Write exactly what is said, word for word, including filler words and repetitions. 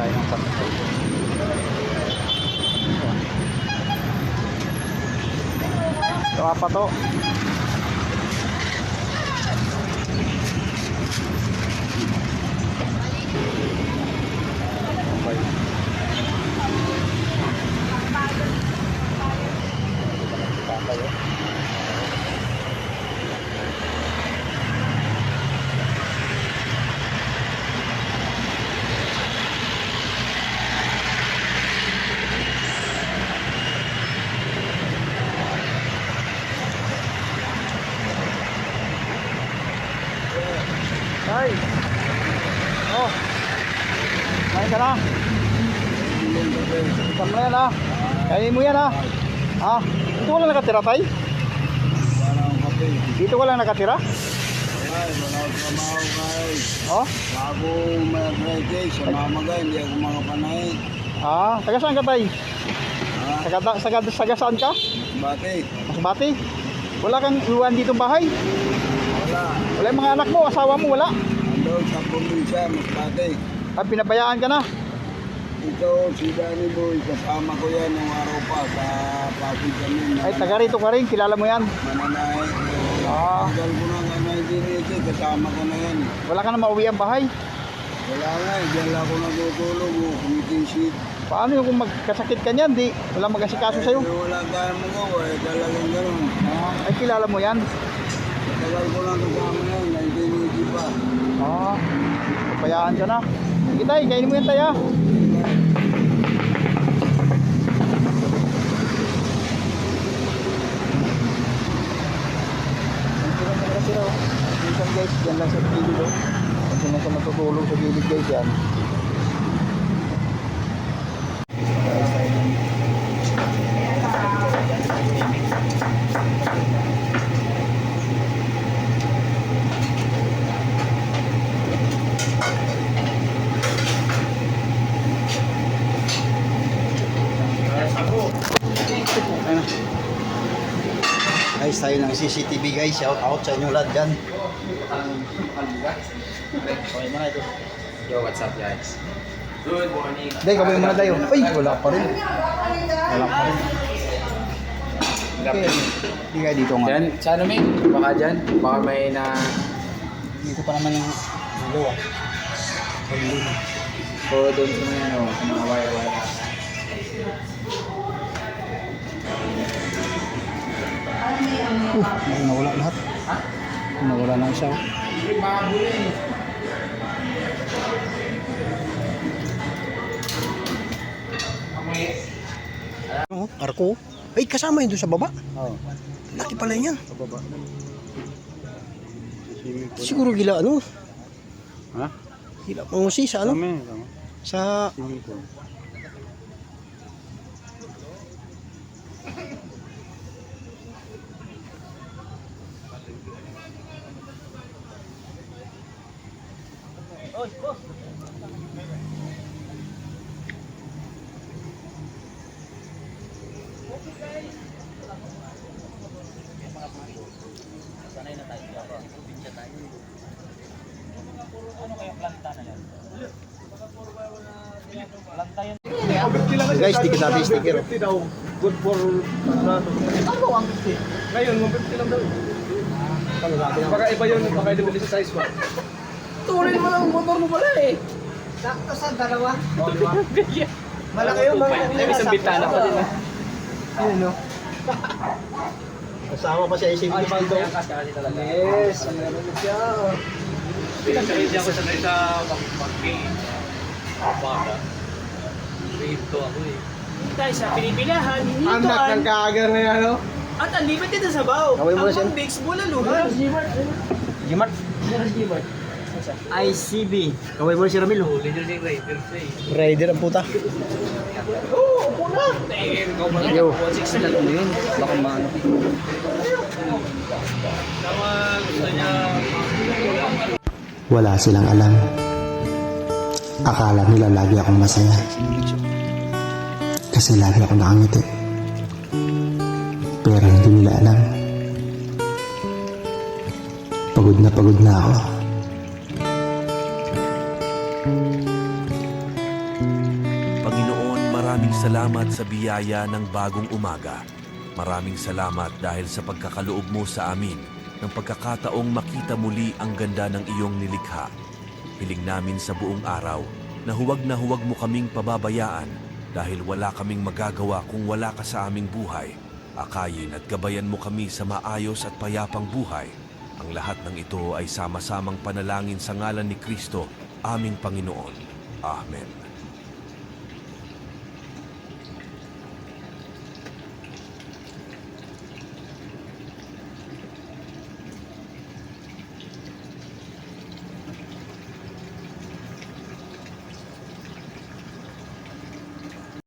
tayo ng sakto. Ito pa to. Okay. Ay. Oh. Kain ka na. Ikan mo yan ha. Kainin mo yan ha. Ha? Dito ka lang nakatira tay? Dito ka lang nakatira? Ay, wala ako trabaho guys. Oh? Bago mag-graduate sa mamaga, hindi ako makapanay. Ah, taga saan ka tay? Ha? Taga, taga, taga saan ka? Bakit? Masbate? Wala kang iwan dito bahay? Wala. Wala yung mga anak mo, asawa mo, wala? Andun sa probinsya, Masbate. Ah, pinabayaan ka na? Ito, si Danny Boy, kasama ko yan nung araw pa sa Pasig kami. Ay, taga rito ka rin, kilala mo yan? Mananahe. Ah. Tagal ko na nga nineteen eighty, kasama ko na yan. Wala ka na mauwi ang bahay? Wala nga, eh, diyan lang ako natutulog, oh, committee sheet. Paano yung kung magkasakit ka niyan, di? Wala mag-asikaso sa'yo? Eh, wala tayong magawa, eh, talagang gano'n. Ah, ay, kilala mo yan? Tagal ko na kasama yan, nineteen eighty pa. Ah, papayaan ka na. Sige tay, kainin mo yan tay ha. Minsan guys, dyan lang sa gilid oh. Minsan lang sa matutulog sa gilid guys yan. Guys, tayo ng C C T V guys, shout out sa inyo lahat dyan. Okay mga ito. Yo, what's up guys? Good morning. Day, kawin muna tayo. Uy, wala pa rin. Wala pa rin. Okay, hindi kayo dito nga. Diyan, sa ano may? Baka dyan, baka may na... Dito pa naman yung dalawa. O doon sa mga ano, sa mga wire-wire. Uh, nawala lahat. Nawala na isa. Mga bulin. Oh, arko. Ay, kasama yun doon sa baba. Oo. Laki pala yan. Sa baba. Siguro gila ano? Ha? Gila pangusi sa ano? Kami, kami. Sa... Swimming pool. Guys, di kita sticker. Good for... Ano ang fifty? Ngayon, one fifty lang daw. Baka iba yun, baka i-depende sa size ba? Tuloy mo lang ang motor mo pala eh. Sakto sa dalawa. Malaki yung mga May isang bitana pa din eh. Ayun no. Kasama pa siya isip ko dito. Yes, meron na siya. Pinag-ready ako sa sa pag-pag-pay. Baka. Rito ako eh. Tayo sa pinipilahan, Anak ng hinituan, kaagar na yan, no? at unlimited na sabaw. Kaway mo na siya. Ang mix, bulaluhan. Gimart. I C B. Kaway mo na si Ramil. Huli nyo si Raider siya eh. Rider ang puta. Oo, puna. Yo. Ano yun? Baka maano. Wala silang alam. Akala nila lagi akong masaya. Kasi lagi akong nakangiti. Pero hindi nila alam. Pagod na pagod na ako. Panginoon, maraming salamat sa biyaya ng bagong umaga. Maraming salamat dahil sa pagkakaloob mo sa amin ng pagkakataong makita muli ang ganda ng iyong nilikha. Hiling namin sa buong araw na huwag na huwag mo kaming pababayaan dahil wala kaming magagawa kung wala ka sa aming buhay. Akayin at gabayan mo kami sa maayos at payapang buhay. Ang lahat ng ito ay sama-samang panalangin sa ngalan ni Kristo, aming Panginoon. Amen.